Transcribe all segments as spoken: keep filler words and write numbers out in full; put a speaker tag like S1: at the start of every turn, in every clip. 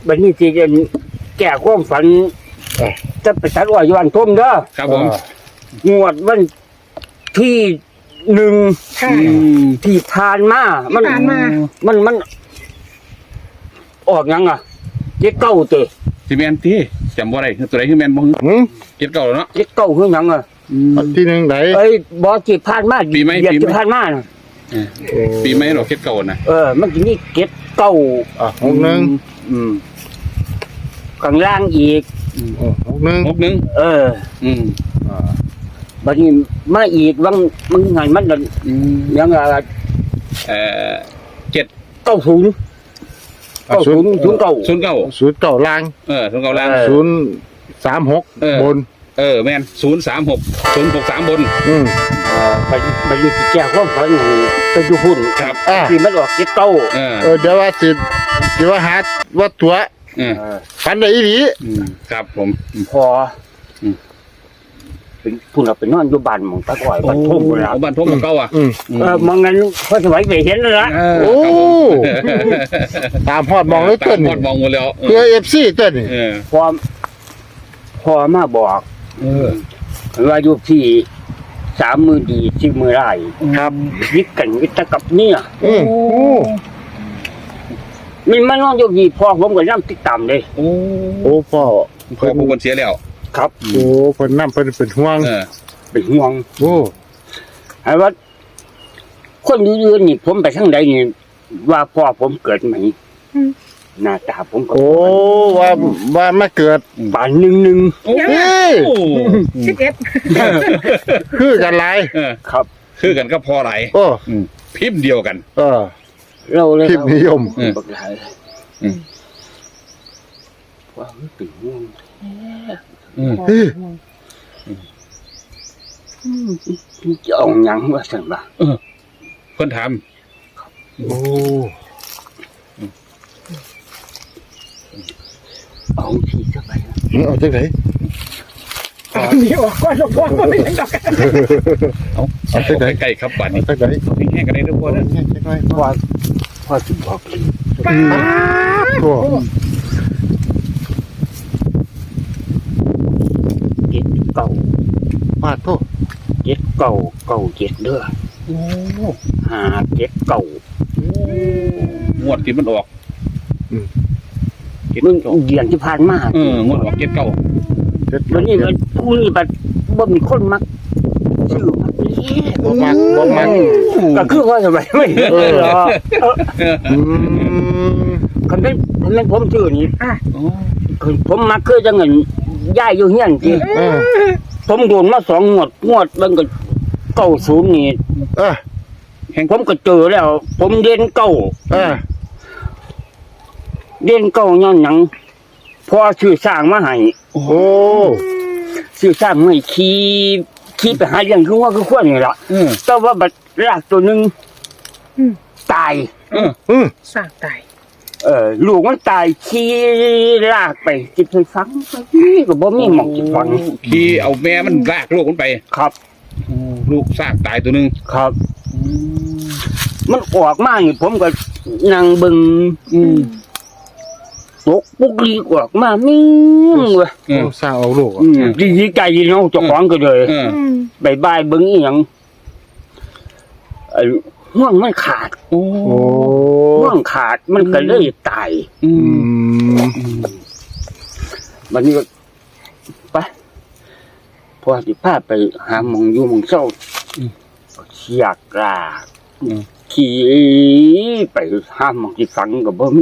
S1: บัดนี้สิแก้ความฝันจะไปตัดอ้อยอยู่บ้านทุ่มเด้อ
S2: ครับผม
S1: งวดวันที่หนึ่ง
S3: ค่ะ
S1: ที่ผ่านมามัน
S3: ผ่านมา
S1: มันมันออกยังอ่ะเจ็ดเก้าเตะ
S2: สิแมนที่จำบ่ได้ตัวไหนคือแมนบ่
S4: หืม
S2: เก็ดเก่าแล้วเนาะ
S1: เจ็ดเก้าคือหยังอ่ะ
S4: อันที่หนึ่งไหน
S1: เอ้ยบอที่ผ่านมา
S2: ปีไหม
S1: เดือน
S2: ปีไหม
S1: ที่ผ่านมาน่ะ
S2: เออปีไหมหรอเก็ดเก่านะ
S1: เออ มันจะมีเจ็ดเก้า
S4: อ่ะหกหนึ่ง
S2: อืม
S1: ข้างล่างอีก
S4: โอ้หกหนึ่ง
S2: หกหนึ่ง
S1: เออ
S2: อืม
S4: อ่า
S1: บัดนี้มาอีกวังมันไงมันนั่น
S2: อืม
S1: ยังอ่ะ
S2: เอ่อเจ็ด
S1: เก้าศูนย์เก้าศูนย์ศูนย์เก้า
S2: ศูนย์เก้า
S4: ศูนย์เก้าล่าง
S2: เออศูนย์เก้าล่าง
S1: เออ
S4: ศูนย์สามหก
S2: เออ
S4: บน
S2: เออแมนศูนย์สามหกศูนย์หกสามบน
S4: อืม
S1: เออบัดบัดนี้ที่แก้ความฝันของไปอยู่หุ่น
S2: ครับ
S4: อ่า
S1: ที่มันออกเจ็ดเก้า
S2: เออ
S4: เออเดี๋ยวว่าสิสิว่าหาว่าตัว
S2: เออ
S1: เออ
S4: ฟันได้อีหลี
S2: อืมครับผมอืม
S1: พออ
S2: ม
S1: เป็นผู้เราเป็นนอนอยู่บ้านหมองตะก่อยบ้านทุ่งเลย
S2: เอาบ้านทุ่งกับเก่าอ่ะ
S4: อืม
S2: อืม
S1: เออมองงั้นพอสมัยไปเห็นแล้วละ
S2: เออ
S4: โอ้
S2: ครับผม
S4: ตามฮอดมองเลย
S2: ตา
S4: ต้
S2: ม
S4: น
S2: พอดมองหมดแล้ว
S4: เพื่อเอฟซีต้นนี่
S2: เออ
S1: พอพอมาบอก
S2: เออ
S1: ว่าอยู่ที่สามมือดีที่มือไร้
S4: ครับ
S1: ยิกกันวิตกับเนี่ย
S4: อืมโอ้
S1: มันมานอนอยู่ที่พ่อผมก็ย่ำติดตามเลย
S2: โอ้
S4: โอ้พ่อ
S2: พอผู้คนเสียแล้ว
S1: ครับ
S4: โอ้เพิ่นน้ำเพิ่นเป็นห่วง
S2: เออ
S1: เป็นห่วง
S4: โอ้
S1: ไอ้ว่า คนอื่นๆนี่ผมไปทางใดนี่ว่าพ่อผมเกิดไหมหน้าตาผมก็
S4: โอ้ว่าว่ามาเกิด
S1: ป่านหนึ่งหนึ่ง
S2: โอ้
S4: เอ้ย
S2: โอ้
S3: สิบเอ็ด
S4: คือกันหลาย
S2: เออ
S1: ครับ
S2: คือกันก็พอไหลาย
S4: โอ้
S2: อืมพิมพ์เดียวกัน
S4: เออ
S1: เราเลย
S4: คลิปนิยม
S2: อืม
S1: บักหลาย
S2: อืม
S1: ว่ามันเป็นห่วง
S2: อืม
S4: เฮ้ย
S1: จะเอาหยังว่าสั่นบ่า
S2: เพิ่นถาม
S4: โอ้
S1: เอาที่จะไป
S4: เอาจังไหน
S3: นี่ออกก่อนหลวงพ่อไม่ได้ดอก
S2: เอา
S4: เอาไปไหน
S2: ใกล้ๆครับบัด
S4: เอา
S2: นี้
S4: จังไหน
S2: เอาแห้งๆกันได้ทุกคนนะ
S4: จังไหน
S1: ว่าพ่อจะบอกเลย
S3: ป้า
S4: โอ้
S1: เจ็ดเก่า
S4: ปาดโทษ
S1: เจ็ดเก่าเก่าเจ็ดเด้อ
S2: โอ้
S1: ห้าเจ็ดเก่าง
S2: วดที่มันออกเก็ด
S1: มึง
S2: เก่า
S1: เดือนที่ผ่านมา
S2: เอองวดออกเก็ดเก่า
S4: เจ็ด
S1: วันนี้มันผู้นี้บัดบ่มีคนมักชื่อมักนี่
S4: บ่มักบ่มัก
S1: ก็คือว่าทำไมไม่เห็นเลยเหรอ
S4: อืม
S1: คันเป็นคันเป็นผมชื่อนี่
S2: โอ้
S1: คือผมมักคือจังเงินย้ายอยู่เฮียนจริง
S4: เออ
S1: ผมโดนมาสองงวดงวดมันก็เก้าศูนย์นี่
S4: เออ
S1: ผมก็เจอแล้ว ผมเด่นเก้า
S4: เออ
S1: เด่นเก้าย้อนหยังพอชื่อสร้างมาให้
S4: โอ้
S1: ชื่อสร้างให้ขี่ขี่ไปหาเรื่องคือว่าคือควรนี่ล่ะ
S2: เออ
S1: แต่ว่าบัดรากตัวหนึงตาย
S2: เออ
S4: อืม
S3: สร้างตาย
S1: เออลูกมันตายขี่ลากไปจิบไปฟังนี่ก็บ่มีหมองจิบฟัง
S2: ขี่เอาแม่มันลากลูกมันไป
S1: ครับ
S2: ลูกสร้างตายตัวหนึง
S1: ครับ มันออกมานี่ผมก็นั่งเบิ่ง
S2: อืม
S1: ตกปุกลีกออกมามิ่งเว้ย
S2: เออ
S4: สร้างเอาลูก
S1: อืมดีใจเนาะเจ้าของก็เลย
S2: เออ
S1: บายบายเบิ่งอีหยังไอ้ห่วงมันขาด
S2: โอ้
S4: โอ้
S1: ห่วงขาดมันก็เลยตาย
S2: อื
S4: อื
S2: ม
S4: ม
S1: บัดนี้ก็ไปพอสิพาไปหาหมองอยู่หมองเศร้าก็เสียกลาก
S2: อืม
S1: ขี่ไปหาหมองที่ฝังก็บ่มี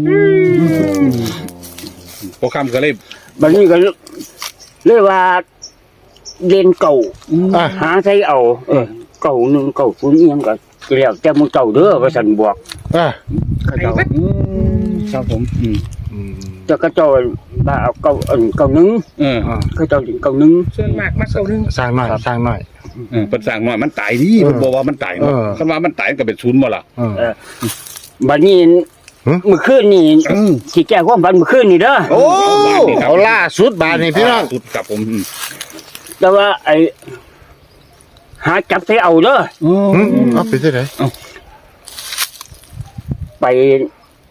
S2: พอคำก็เลย
S1: บัดนี้ก็เลยว่าเรียนเก่า
S4: อ่ะ
S1: หาใช้เอา เออเก่าหนึ่งเก่าศูนย์เอียงก็แล้วแต่มึงเก่าเด้อว่าสันบอก
S4: อ่ะ
S1: เขาเจ้า
S2: อืมครับผมอืม
S4: อืม
S1: แต่เขาเจ้าว่าเอาเก่าเอิ้นเก่าหนึ่ง
S2: เออ
S4: อ่ะ
S1: เขาเจ้าถึงเก่าหนึ่ง
S3: ส่วนมากมาเก่าหนึ่ง
S4: สร้างหน่อยสร้างหน่อย
S2: เออเพิ่นสร้างมามันตายดิ
S4: เออ
S2: เพิ่นบอกว่ามันตายเนาะ
S4: เออ
S2: คันว่ามันตายมันก็เป็นศูนย์บ่ล่ะ
S4: เออ
S1: เออบัดนี้
S4: หึ
S1: เมื่อคืนนี่
S2: อืม
S1: สิแก้ความฝันเมื่อคืนนี่เด้อ
S4: โอ้เอาล่าสุดบาทนี่พี่น้อง
S2: สุดกับผมอืม
S1: แต่ว่าไอ้หาจับใส่เอาเด้อ
S4: อืมเอาไปที่ไหน
S1: ไป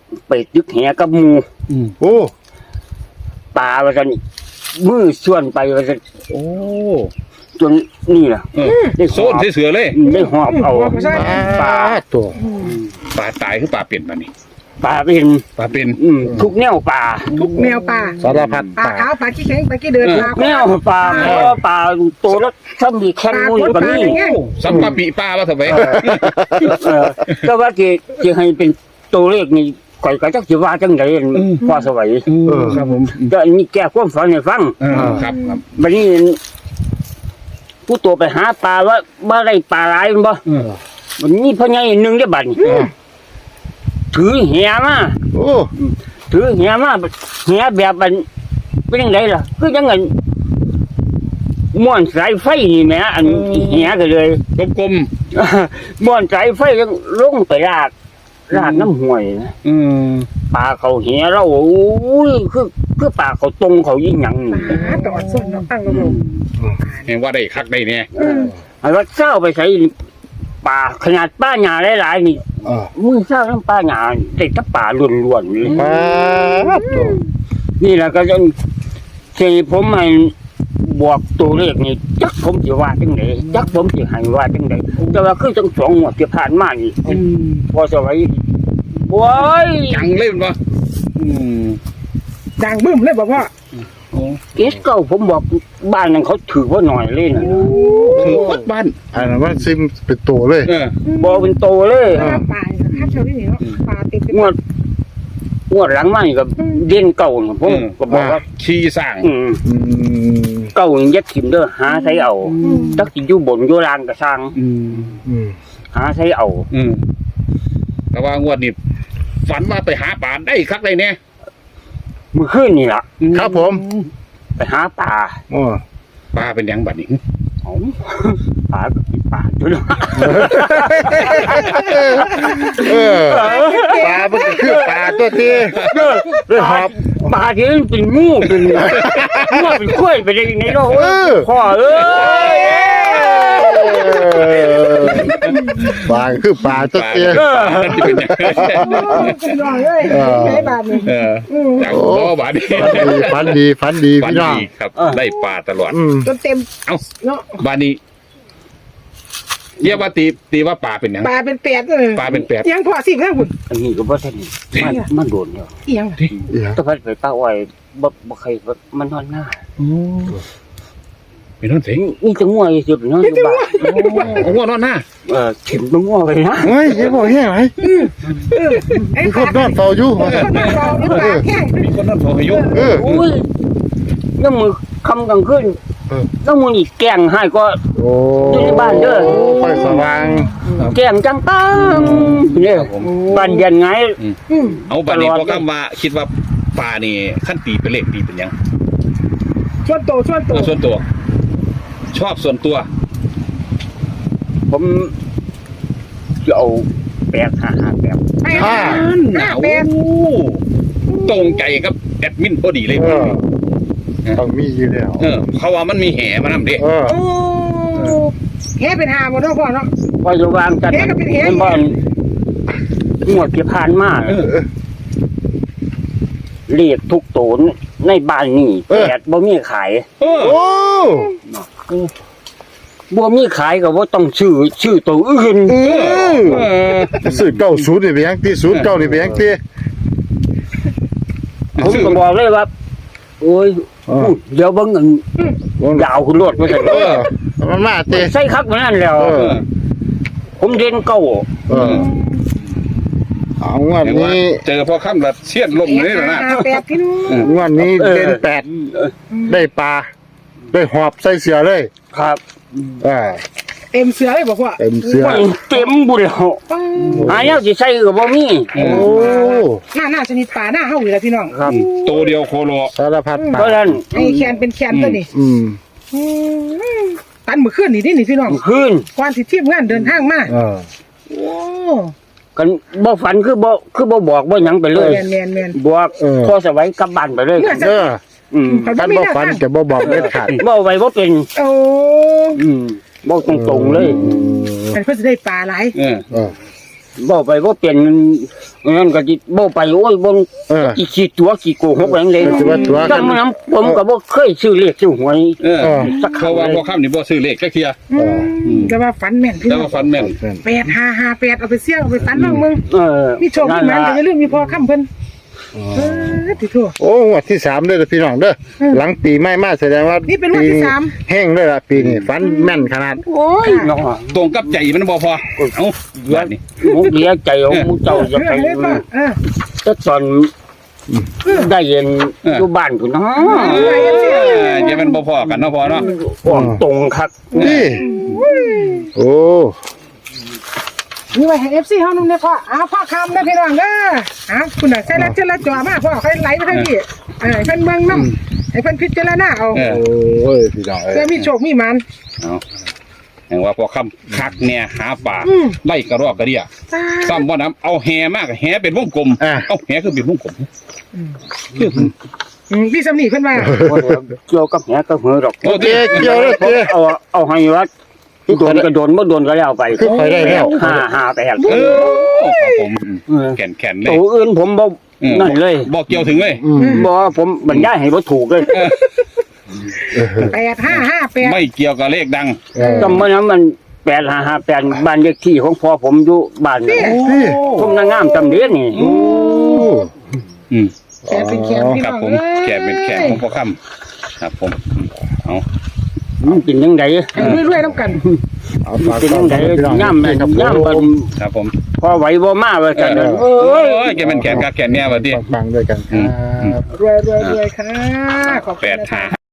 S1: ไปตึกแหกับหมู
S2: อืม
S4: โอ้
S1: ปลาว่าซั่นมือส่วนไปว่าซั่น
S2: โอ้
S1: จนนี่ล่ะ
S2: เออ
S1: ได้ห
S2: โซ
S1: อน บ
S2: เสือเลย
S1: ได้หอบเอา
S4: ปลาตัว
S2: ปลาตายคือปลาเปลี่ยนมานี่
S1: ปลาเป็น
S2: ปลาเป็น
S1: อืมทุกแนวปลา
S3: ทุกแนวปลา
S4: สารพัด
S3: ปลา
S4: ปลา
S3: ขาวปลาขี้แข็งปลาขี้เดินปลา
S1: แนวปลาเพราะว่าปลาตัวละถ้ามีแค่มูนี่ก็มี
S3: ไง
S2: โอ้สัมปะปีปลาว่าทำไม
S1: เออก็ว่าที่ที่ให้เป็นตัวเลขนี่ก่อยก็จักสิว่าจังได๋พอสวัย
S2: เออครับผม
S1: ก็อันนี้แก้ความฝันให้ฟัง
S2: เออครับครับ
S1: บัดนี้ผู้ตัวไปหาปลาว่าบ่ได้ปลาหลายแม่นบ่
S2: เออ
S1: วันนี้พ่อใหญ่หนึงได้อบัดนี้ถือแหมา
S4: โอ้
S1: ถือแหมาแหแบบมันเป็นจังไดล่ะคือจังไงม่วนสายไฟนี่แหมอันแหก็เลย
S2: กลม
S1: ม่วนสายไฟยังลงไปลากลากน้ำห้วยนะ
S2: ๆอืม
S1: ปลาเขาแหเราโอ้ยคือคือปลาเขาตรงเขายิ่งหยังนี่
S3: ปลาตอดส้นน้ำตั้งลง
S2: เห็นว่าได้คักได้เนี่ย
S1: ไอ้ว่าเจ้าไปใส่ปลาขนาดป้าหญ้าหลายๆนี่
S4: อ่า
S1: มือเจ้าน้ำป้าหญ้าได้แตะปลาล้วนๆเลย
S4: ปลาตัว
S1: นี่แหละก็จะที่ผมให้บวกตัวเลขนี่จักผมสิว่าจังไดจักผมสิให้ว่าจังไดแต่ว่าคือจังสองงวดที่ผ่านมานี่พอสวัยโอ้ย
S2: จังเลยมันวะอืม
S3: ดังบึ้มเลยบอกว่า
S2: โอ้
S1: เกสเก้าผมบอกบ้านนั้นเขาถือว่าหน่อยเลยนะ
S2: ถือวัดบ้าน
S4: อันนั้นมันซิมเป็นตัวเลย
S2: เออ
S1: บอกเป็นโตเลย
S3: ปลาปลาข้าวเชอรี่เนาะปลาติด
S1: งวดงวดหลังมานี่ก็เด่นเก่าน่ะผมก็บอกว่า
S2: ขี้สร้าง
S1: อืม
S4: อืม
S1: เก่านี่ยัดถิ่มเด้อหาใช้เอาจักสิอยู่บนอยู่ล่างก็สร้าง
S2: อืม
S4: อืม
S1: หาใช้เอา
S2: อืมแต่ว่างวดนี้ฝันว่าไปหาปลาได้คักได้เนี่ย
S1: มื้อคืนนี่ล่ะ
S4: ครับผม
S1: ไปหาปลา
S4: โอ้
S2: ปลาเป็นหยังบัดนี้
S1: เอาปลาก็กินปลาตัวเนาะ
S4: เออปลามันก็คือปลาตัวที่เลยหอบ
S1: ปลาที่มันเป็นงูเป็นงูเป็นกล้วยไปได้ยังไงเนาะ
S4: เออ
S1: พ่อเอ้ย
S4: ปลาคือปลาตัวที่
S2: ปลาที่เป็นหยัง
S3: เป็นรอยเลยใช้บาทนี่
S2: เออจากพ่อบาดนี้
S4: ฟันดีฟันดี
S2: ฝัน
S4: พี่น้อง
S2: ดีครับ ได้ปลาตลอด
S4: อืม
S3: จนเต็ม
S2: เอ้า
S3: เนาะ
S2: บาดนี้เรียกว่าตีตีว่าปลาเป็นหยัง
S3: ปลาเป็นแปดเลย
S2: ปลาเป็นแปด
S3: ยังพอสิบแล้วคุณ
S1: อันนี้ก็บ่ทันมันมันโดนแล้ว
S3: ยัง
S4: เดี๋ยว
S1: ถ้าพัดไปป้าอ้อยบ่บ่เคยมันนอนหน้า
S2: เป็นนั่นเสียง
S1: นี่จะง่วงสิบนอนอยู่บ้าน
S2: โอ้โหนอนหน้า
S1: เออถิ่มมันง่วงไปนะ
S4: เฮ้ยยังบอกแห้งไหม
S3: ไอ้
S4: มี
S3: ค
S4: คน
S3: น
S4: นอนเฝ้าอยู่
S3: คนนอนรอหรือปลาแข้ง
S2: มีคนนอนโผล่อายุ
S4: เออ
S1: อุ้ยยังมือคำกลางคืน
S4: เออ
S1: แล้วมือนี่แกล้งให้ก็
S4: โอ้
S1: อยู่ในบ้านเด้อ
S4: ไฟสว่าง
S1: แกล้งจังปังเนี่ยบ้านเย็นไง
S2: เอาบาดนี้
S1: ตลอด
S2: พอคำว่าคิดว่าปลานี่ขั้นตีเป็นเลขตีเป็นหยัง
S3: ชวนโตชวนโต
S2: เอาส่วนตัว ชอบส่วนตัว
S1: ผมจะเอาแปดห้าห้าแปด
S3: แปดห้าแปด
S2: โอ้ตรงใจกับแอดมินพอดีเลย
S4: เออต้องมีอยู่แล้ว
S2: เออเขาว่ามันมีแห่มานำเด้
S4: เออ
S3: โอ้แค่เป็นหาหมดแล้วพ่อเนาะ
S1: พอจะวางกัน
S3: แกก็เป็นเหี้ย
S1: เป็นบ้านงวดที่ผ่านมา
S2: เออ
S1: เรียกทุกโตนในบ้านนี่แปดบ่มีขาย
S2: เออ
S4: โอ้
S1: บ่มีขายก็บ่ต้องชื่อชื่อตัวอื่น
S4: เออ
S2: เออ
S4: สื่อเก้าศูนย์นี่เป็นยังที่ศูนย์เก้านี่เป็นยังที่
S1: ผมก็บอกเลยว่า โอ้ยเดี๋ยวเบิ่งอันยาวขึ้นรถว่าซั่น
S4: เออมันมาเตะ
S1: ใส่คักมานั่นแล้ว
S4: เออ
S1: ผมเรียนเก่า
S4: เออเอางวด
S2: เห็นว่า
S4: นี้
S2: เจอพอค่ำละเชียดลมเลยนะ
S3: ห้าแปดพี่น้อง
S4: งวดนี้เด่นแปดได้ปลาได้หอบใส่เสือเลย
S1: ครับ
S4: อ่า
S3: เต็มเสือเลยบอกว่า
S4: เต็มเสือ
S1: เต็มบุญแล้วหาแนวสิใส่ก็บ่มี
S4: โอ้
S3: หน้าหน้าชนิดป่าหน้าเฮาอยู่แล้วพี่น้อง
S1: ครับ
S2: ตัวเดียวโคโล
S4: สารพัดปลา
S1: เพราะฉะนั้น
S3: ไอ้แคนเป็นแคนตัวนี้
S4: อืม
S3: ตันมือขึ้นนี่นี่พี่น้อง
S1: คืน
S3: ก่อนสิทีมงานเดินทางมา
S4: เออ
S3: โอ้
S1: กันบ่ฝันคือบ่คือบ่บอกบ่หยังไปเลย
S3: แมนแมนแมน
S1: บอกพอสวัยกลับบ้านไปเลย
S4: เออ
S1: อืม
S4: ท่านบ่ฝันจะบ่บอกเด็ดขาด
S1: บ่ไว้บ่เป็น
S3: โอ้
S1: อืมบ่ตรงๆเลย
S3: อันเพื่อจะได้ปลาหลาย
S2: เออ
S4: เออ
S1: บ่ไปบ่เปลี่ยนนั่นก็สิบ่ไปโอ้ยบ่
S4: เออ
S1: อีขี้ตัวขี้โกหกแหงเลย
S4: สิว่าตัวกัน
S1: จังนั้นผมก็บ่เคยซื้อเลขซื้อหวย
S2: เออ
S4: เออ
S2: เพราะว่าพ่อค่ำนี่บ่ซื้อเลขจักเที่ย
S3: อืมแต่ว่าฝันแม่นพี่
S2: แต่
S3: น้อ
S2: ว่าง ฟันแม่น
S3: แปดห้าห้าแปดเอาไปเสี่ยงเอาไปฝันบ้างมึง
S1: เออ
S3: มีโชคมีหมันแต่อย่าลืมมีพอค่ำเพิ่นเออติโทษ
S4: โอ้งวดที่สามเด้อพี่น้องเด้อ
S3: อืม
S4: หลังปีใหม่มาแสดงว่า
S3: นี่เป็นงวดที่สาม
S4: แห้งเลยล่ะปีนี้ฝันแม่นขนาด
S1: โอ้ยเนาะ
S2: ตรงกับใจมันบ่พอเอ้าแบบนี้
S1: มุกเดียใจของมุกเจ้าจะ
S3: เรื่
S1: ไป
S3: องนี้ก็เออ
S1: ก็ตอนได้เย็นอยู่บ้านพุ่นเนาะ
S2: เออเดี๋ยวมันบ่พอกันเนาะพอเนาะ
S1: ออกตรงครับ
S4: นี่โอ้
S3: นี่ไว้ให้ เอฟ ซี เฮานำเนี่ยพ่อเอาพ่อคำนะพี่น้องเด้ออ่ะคุณน่ะใส่ละเจละจ่อมาพ่อใครไหลมาให้พี่เออให้เพิ่นเบิ่งนำให้เพิ่นพิจารณาเอา
S2: เออ
S4: โอ้ยพี่น้องเอ้ย
S3: เพื่อมีโชคมีหมัน
S2: เอาแห่งว่าพ่อค่ำคักแน่หาป่า
S3: อืม
S2: ไล่กระรอกกระเดียซ้ำบ่น้ำเอาแหมากแหเป็นวงกลม
S4: อ่ะ
S2: เอาแหคือเป็นวงกลม
S3: อืมพี่สำนีเพิ่นว่า
S1: บ่ได้เกี่ยวกับแหกับเหือดอก
S2: โอ้
S4: เจ๊เกี่ยวเลย
S1: ผม
S4: เจ๊
S1: เอาเอาให้วัดโดนก็โดนบ่โดนก็แล้วไป
S4: คือไปได้แล้ว
S1: ห้าห้าแปด
S2: เออครับผม
S1: เออ
S2: แขนแขนเล
S1: ตั
S2: ยว
S1: อื่นผมบ่
S2: เออ
S1: นั่นเลย
S2: บอกเกี่ยวถึงเลย
S4: อืม
S1: บ่ผมบรรยายให้บ่ถูกเลย
S3: แปดห้าห้าแปด
S2: ไม่เกี่ยวกับเลขดัง
S4: เออ
S1: จำเมื่อนั้นมันแปดห้าห้าแปดบ้านเลขที่ของพ่อผมอยู่บ้าน
S3: นี่
S4: นี่
S1: ผมนางงามจำเดียนี่
S4: โอ้
S2: อืม
S3: แขนเป็นแขนพี่
S2: ครั
S3: น้
S2: บ
S3: อง
S2: ผม
S3: อ้ย
S2: แขนเป็นแขนของพ่อค่ำครับผมเอา
S1: มันเป็นยังไง
S3: ให้รวยๆน้ำกัน
S4: เอาฝาก
S1: เป็น
S4: ต้อ
S1: ยัง
S4: น
S1: ไง
S4: พี่น้อง
S1: ย่ำแม่
S4: ครับ
S1: ย่ำ
S4: ผ
S1: ผม
S4: ม
S2: ครับผม
S1: พอไหวบ่มาว่ากัน
S2: เออ
S1: โอ้
S2: โอ้
S1: ย
S2: ยแกเป็นแขนกับแขนเนี่ยวันที่
S4: ฟังๆด้วยกันครับ
S3: รวยๆรวยๆค่ะขอบคุณ
S2: แปด
S3: นะ
S2: หา
S3: คะ